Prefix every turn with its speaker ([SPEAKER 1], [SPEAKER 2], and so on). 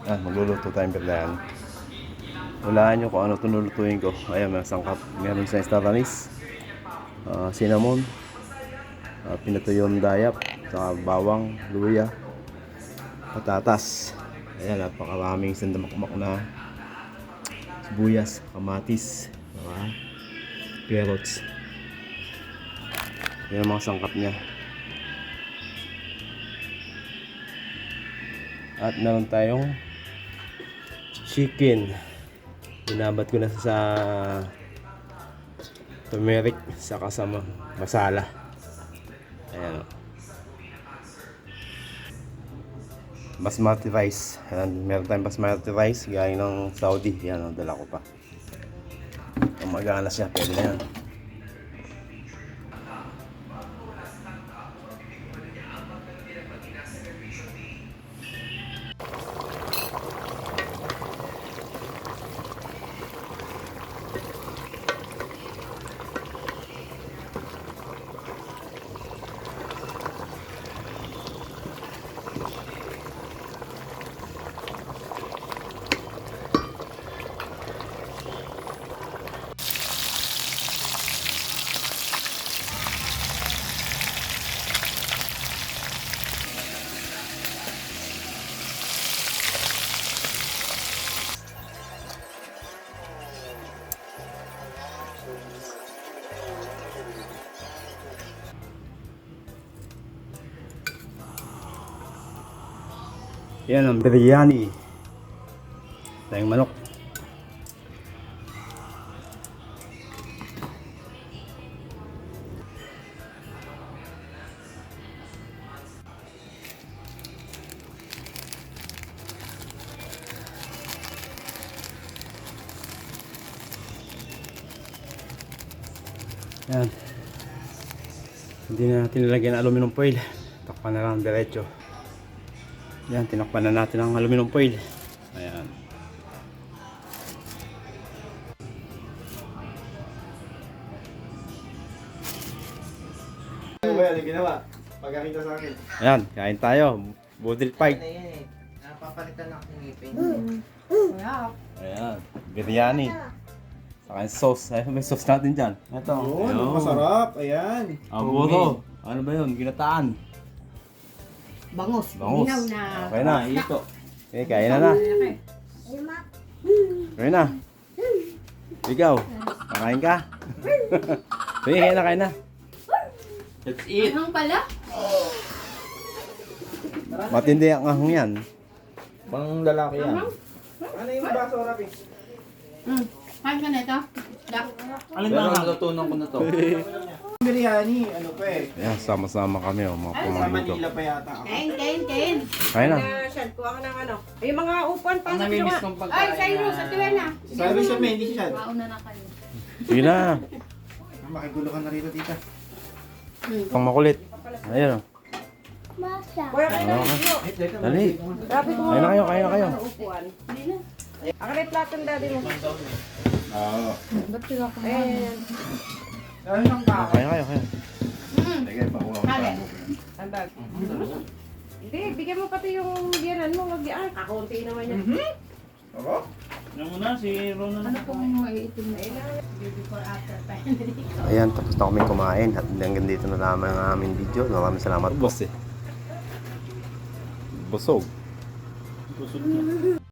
[SPEAKER 1] Magluluto tayong biryan. Hulaan nyo kung ano ito lulutuin ko. Ayan, may sangkap. Meron sa estaranis, cinnamon, pinatuyong dayap, saka bawang, luya, patatas. Ayan, napakaraming sandamakmak na sibuyas, kamatis, carrots. Yan ang mga sangkap niya. At meron tayong chicken. Binabad ko na sa turmeric saka sa masala. Ayan o. Basmati rice. Ayan, meron tayong basmati rice galing ng Saudi. Yan o, dala ko pa. Kung magana siya, pwede na yan. Yan ang biryani. Tayong manok. Yan. Hindi na natin nilagyan ng aluminum foil. Takpan na lang diretso. Yan, tinakpan na natin ang aluminum foil. Ayan.
[SPEAKER 2] Ano ginawa? Pagkakita sa akin.
[SPEAKER 1] Ayan, kain tayo. Budil fight.
[SPEAKER 2] Napapalitan ako ng ngipin.
[SPEAKER 1] Ayan, biryani. Saka yung sauce. Ayun, may sauce natin dyan. Ito.
[SPEAKER 2] Yun, masarap. Ayan.
[SPEAKER 1] Aburo. Ano ba yun? Ginataan.
[SPEAKER 3] Bangus.
[SPEAKER 1] Bangus.
[SPEAKER 3] Minaw na.
[SPEAKER 1] Okay na.
[SPEAKER 2] Ito.
[SPEAKER 1] Okay, kain na na. Kain na. Ikaw, kakain ka? Sige, kain na.
[SPEAKER 2] Let's eat.
[SPEAKER 3] Anong pala?
[SPEAKER 1] Matindi ang ahong yan.
[SPEAKER 2] Pang lalaki yan. Ano yung baso, Rapi?
[SPEAKER 3] Kain ka na ito? Dak.
[SPEAKER 2] Alin ba ang natutunan ko na to? Biryani, ano pa eh.
[SPEAKER 1] Ayan, sama-sama kami. Mga
[SPEAKER 2] Sa
[SPEAKER 1] pumangin ko.
[SPEAKER 2] Manila pa yata ako.
[SPEAKER 3] Kain.
[SPEAKER 1] Kain na.
[SPEAKER 4] Siyan, kuha ka ng ano. Ay, mga upuan,
[SPEAKER 2] Ang
[SPEAKER 4] pasok
[SPEAKER 2] namimiss
[SPEAKER 4] nyo
[SPEAKER 2] kong
[SPEAKER 4] nga.
[SPEAKER 2] pagkain
[SPEAKER 4] Ay, Cyrus, at tuwa na.
[SPEAKER 2] Sabi siya, may hindi siya.
[SPEAKER 3] Mauna na kayo.
[SPEAKER 1] Sige na.
[SPEAKER 2] Makigulo ka na rito, tita.
[SPEAKER 1] Pang makulit. Ayan o.
[SPEAKER 4] Kuya kayo na.
[SPEAKER 1] Okay. Dali.
[SPEAKER 4] Grabe ko.
[SPEAKER 1] Kain na kayo, kain na kayo.
[SPEAKER 4] Upuan.
[SPEAKER 3] Hindi na.
[SPEAKER 4] Ako na yung plato ng daddy mo.
[SPEAKER 2] Oo.
[SPEAKER 3] Ba't sila ko?
[SPEAKER 4] Ayan.
[SPEAKER 2] Ano siyang kaka?
[SPEAKER 1] Kain na kayo, kain.
[SPEAKER 2] Sige, pakuha ko.
[SPEAKER 3] Kale.
[SPEAKER 4] Ang bag. Hindi, bigyan mo pati yung biyanan mo. Wag yan. Kakunti naman yan.
[SPEAKER 2] Ako?
[SPEAKER 3] Ano pong maiitim na ilan? Before after pa.
[SPEAKER 1] Ayan, tapos na kami kumain. At hanggang dito na naman ang aming video. Maraming salamat po. Busog.